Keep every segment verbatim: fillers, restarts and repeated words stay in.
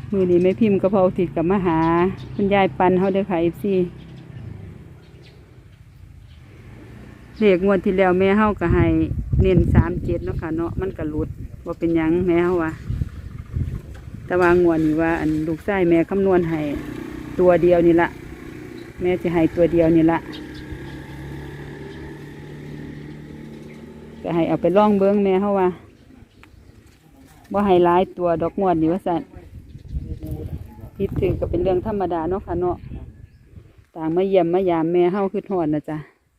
มือนี้แม่พิมพ์กระเพราติดกับมาหาคุณยายปันเขาเด้อค่ะเอฟซีเลขงวดที่แล้วแม่เฮาก็ให้เน้นสามเจ็ดเนาะค่ะเนาะมันก็หลุดว่าเป็นหยังแม่เฮาว่าแต่ว่างวดนี้ว่าอันลูกชายแม่คำนวณให้ตัวเดียวนี่ละแม่จะให้ตัวเดียวนี่ละก็ให้เอาไปล่องเบิ้งแม่เฮาว่าว่าให้หลายตัวดอกงวดนี่ว่าสั่นพิดถือก็เป็นเรื่องธรรมดาเนาะค่ะเนาะต่างมาเยี่ยมมายามแม่เฮาคือทอดนะจ๊ะ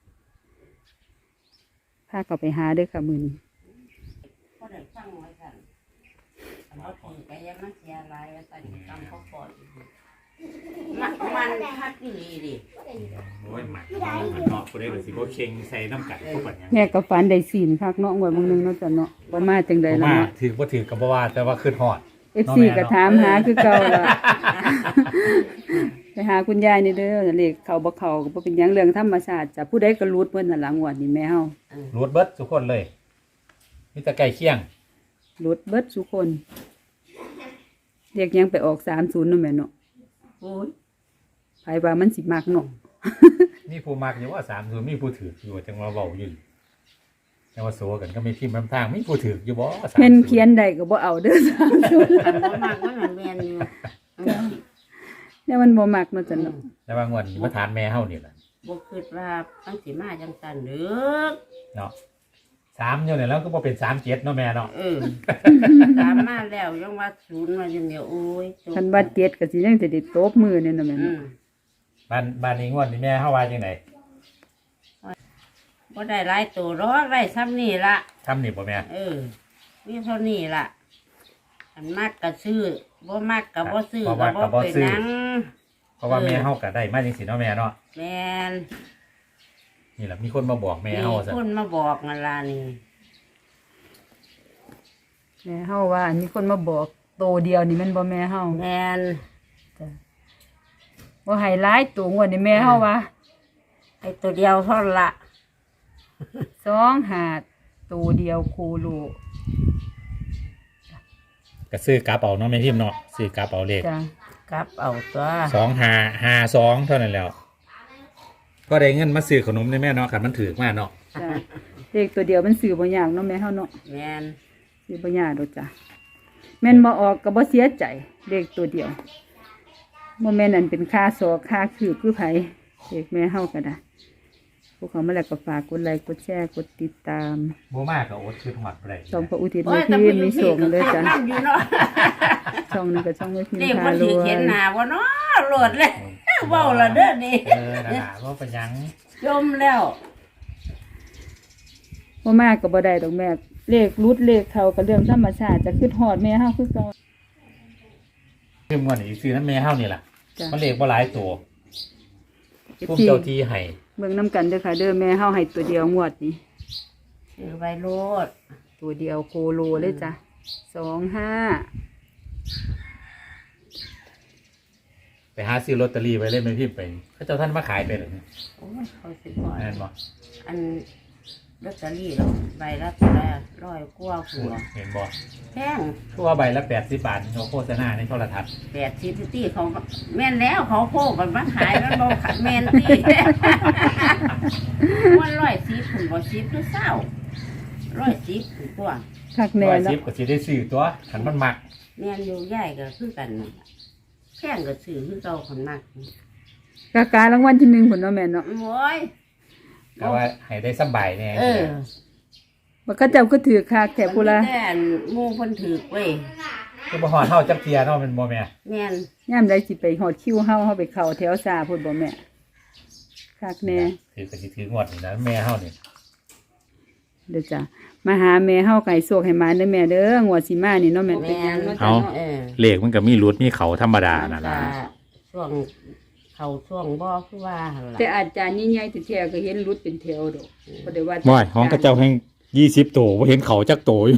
พาเขาไปหาเด้อค่ะมือนี้ก็ได้ฟังไว้กันเขาถือไปยังมันเสียอะไรแต่กำเขาปล่อยมันมันคัดนี่ดิโอ้ยหมักมันเนาะกูได้เลยสิโบเค็งใส่น้ำกัดพวกแบบนี้แม่กับฝันได้ศีลคักเนาะงวดมึงนึงเนาะจ้ะเนาะบ่มาจังใดล่ะมาเนาะถือว่าถือกับว่าแต่ว่าขึ้นหอดเอฟซีก็ถามหาคือเก่าล่ะไปหาคุณยายนี่เด้อเลขเขาบ่เข้าก็บ่เป็นหยังเรื่องธรรมชาติจ้ะผู้ใดก็รูดเพิ่นน่ะล่ะงวดนี้แม่เฮารูดเบิดทุกคนเลยมีแต่ไก่เคี่ยงรูดเบิดทุกคนเรียกยังไปออกสามสิบเนาะแม่เนาะโอ้ยไผว่ามันสิมักเนาะมีผู้มักอยู่ว่าสามส่วนมีผู้ถืออยู่จังเราเบาอยู่แต่ว่าโซกันก็ไม่พิมพ์น้ำทางมีผู้ถืออยู่บ่สามเห็นเขียนใดก็บ่เอาเด้อสามสิบมันบ่มากมันหันเวียนอยู่เนี่ยมันบ่มักเนาะจ้ะเนาะแต่ว่างวดนี้มาทานแม่เฮานี่แหละบ่คิดว่ามันสิมาจังซั่นเด้อเนาะสามอยู่เนี่ยแล้วก็บ่เป็นสามเจ็ดเนาะแม่เนาะเออตามมาแล้วยังว่าศูนย์มาอย่างเดียวโอ้ยคันว่าเจ็ดก็สิยังสิได้ตบมือเนี่ยเนาะแม่อืเนาะมบ้านบ้านนี้งวดนี้แม่เฮาว่าจังไดบ่ได้หลายตัวหรอกได้ซ้ำนี่ละทำนี่บ่แม่เออมีเท่านี้ล่ะอันมากก็ซื้อบ่มากก็บ่ซื้อก็บ่เป็นหยังเพราะว่าแม่เฮาก็ได้มาจังซี่เนาะแม่เนาะแม่นนี่แหละมีคนมาบอกแม่เฮามีซะคนมาบอกนั่นล่ะนี่แม่เฮาว่าอันนี้คนมาบอกโตเดียวนี่แมันบ่แม่เฮาแม่นจ้ะบ่ให้หลายตัวงวดนี่แม่เฮาว่าไอ้ตัวเดียวเท่านั้นละสองหาดตัวเดียวคูโลก็ซื้อกระเป๋าเนาะแม่พิมพ์เนาะซื้อกระเป๋าเลขจ้ะกลับเอาตัวสองห้าห้าสองเท่านั้นแล้ว ก็ได้เงินมาซื้อขนมในแม่เนาะขันมันถือมากเนาะจ้ะเลขตัวเดียวมันซื้อบ่ยากเนาะแม่เฮาเนาะแม่นซื้อบ่ยากดอกจ้ะแม่นบ่ออกก็บ่เสียใจเลขตัวเดียวบ่แม่นอันเป็นค่าศอกค่าคือคือไผเลขแม่เฮาก็ได้พวกเขามาแล้วก็ฝากกดไลค์กดแชร์กดติดตามโบมากกับโอ๊ตคือหอดอะไรช่องพระอุทิศโอ้แม่ยพิแต่มพ์มีโชคเลยจ้ะนั่นอยู่เนาะช่องนี้ก็ช่องแม่พิมพ์เรียกพาว่ารถือวเขียนยหน้าบ่เนาะโหลดเลยเว้าละเด้อนี่เออนะว่าเป็นหยังจมแล้วบ่มากก็บ่ได้ดอกแม่เลขรุดเลขเขาก็เรื่องธรรมชาติจะขึ้นฮอดแม่เฮาคือเก่าคือมันอีกซื้อน้ำแม่เฮานี่แหละจ้ะมันเลขว่าหลายตัวเอฟพุ่มซีเจ้าที่ให้เบิ่งนํกันเด้อค่ะเด้อแม่เฮาให้ตัวเดียวงวดนี้ถือใบโลดตัวเดียวโคโลเลยจ้ะสองห้าไปหาซื้อลอตเตอรี่ไว้เล่นไม่พิมพ์ไปเขาเจ้าท่านมาขายไปหรือโอ้ยเขาสิบ่นั่นบ่อันลอตเตอรี่เราใบละเท่าไหร่ร้อยกว่าหัวเห็นบ่แพงทั่วใบละแปดสิบบาทเขาโฆษณาในโทรทัศน์แปดสิบตีเขาก็แม่นแล้วเขาโคกกันมาขายมันบ่ขายแม่นตี วันร้อยสิบถึงบ่สิบหรือเศร้าร้อยสิบถึงตัวคักแน่ร้อยแล้สิวบก็สิได้ซื้อตัวขันมันมักแม่นอยู่ใหญ่ก็คือกันนั่นล่ะแพงก็ซื้อคือเก่าคนมากกาการางวัลที่หนึ่งพุ่นเนาะแม่เนาะโอ้ยก็ว่าให้ได้สบายแน่เออบ่เขาเจ้าก็ถือคักแถวพุ่นละมันมีแต่อันหมู่เพิ่นถือเว้ยคือบ่ฮอดเฮาจักเทียเนาะเป็นบ่แม่แม่นยามใดสิไปฮอดคิวเฮาเฮาไปเข้าแถวซาพุ่นบ่แม่คักแน่ถือก็สิถืองวดนี่นะแม่เฮานี่เด้อจ้ะมาหาแม่เฮาไก่โศกให้มาเด้อแม่เด้องวดสิมานี่เนาะแม่เป็นหยังเนาะจ้ะเนาะเออเลขมันก็มีรุดมีเขาธรรมดานั่นก็ล่ะช่วงเขาช่วงบ่คือว่าหั่นล่ะแต่อาจารย์ใหญ่ๆแท้ๆก็เห็นรุดเป็นแถวดอกบ่ได้ว่าว้ายของกระเจ้าแห่งยี่สิบโตบ่เห็นเขาจักโตอยู่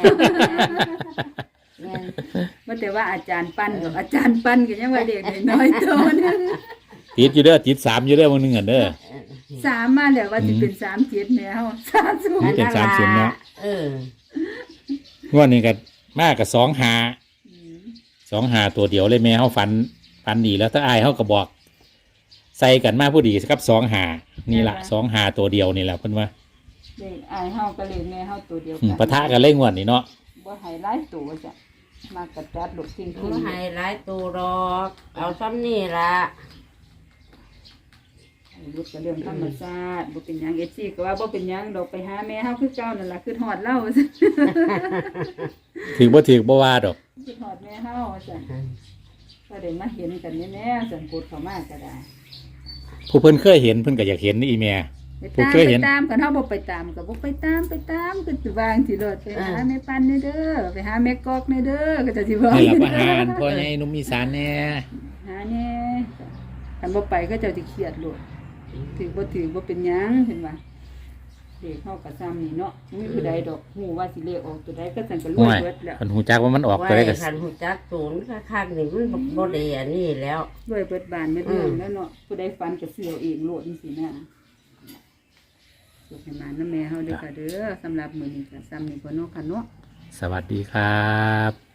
แม่นบ่แต่ว่าอาจารย์ปั้นดอกอาจารย์ปั้นก็ยังว่าเด็กน้อยๆโตนึงติดอยู่เด้อติดสามอยู่เด้อมื้อนึงอ่ะเด้อสามมาแล้วว่าสิเป็นสามเจ็ดแม่เฮาสามศูนนี่ย์เป็นสามสิบเนาะเอองวดนี้ก็มากกับสองหาสองหาตัวเดียวเลยแม่เฮาฝันฝันดีแล้วถ้าอายเฮาก็บอก ใส่กันมาผู้ดีครับสองหานี่ล่ะสองหาตัวเดียวนี่แหละเพิ่นว่าเลขอายเฮากับเลขแม่เฮาตัวเดียวอืกัมปะทะกันเล่งวดนี่เนาะบ่ให้หลายตัวจ้ะมากระจัดลูกทิ้งมัทิ้นงให้หลายตัวดอก เอาซ้ำนี่ละลูกก็เรื่องธรรมชาติบ่เป็นหยังเอซี่ก็ว่าบ่เป็นหยังดอกไปหาแม่เฮาคือเก่านั่นล่ะคือฮอดเล่าถือบ่ถือบ่ว่าดอกคือฮอดแม่เฮาจ้ะก็ได้มาเห็นกันแน่ๆสังกดเข้ามาก็ได้ผู้เพิ่นเคยเห็นเพิ่นก็อยากเห็นนี่อีแม่ไปผู้ตามเคยไปเห็นตามกันเฮาบ่ไปตามก็บ่ไปตามไปตามก็สิวางสิรถไปหาแม่ปันเด้อเด้อไปหาแม่กอกเด้อเด้อก็จะสิบอกนี่แหละประหารพ่อใหญ่หนุ่มอีสานแน่หาแน่คันบ่ไปก็เจ้าสิเครียดโลดถือบ่ถือบ่เป็นหยังเห็นว่าเด็กเฮาก็ซ้ำนี่เนาะบ่มีผู้ใดดอกฮู้ว่าสิเลขออกตัวใดก็สั่นก็รวห่ยวยเบิดแล้วเพิ่นฮู้จักว่ามันออกไว้ตัวได้ก็คันหูจักศูนย์คักๆนี่มันบ่ได้อันนี้แล้วรวยเบิดบานเบิดเมืองแล้วเนาะผู้ใดฝันก็ซื้อเอาเองโลดจังซี่นะสุขให้มานำแม่เฮาเด้อค่ะเด้อสำหรับมื้อนี้ก็ซ้ำนี่บ่เนาะค่ะเนาะสวัสดีครับ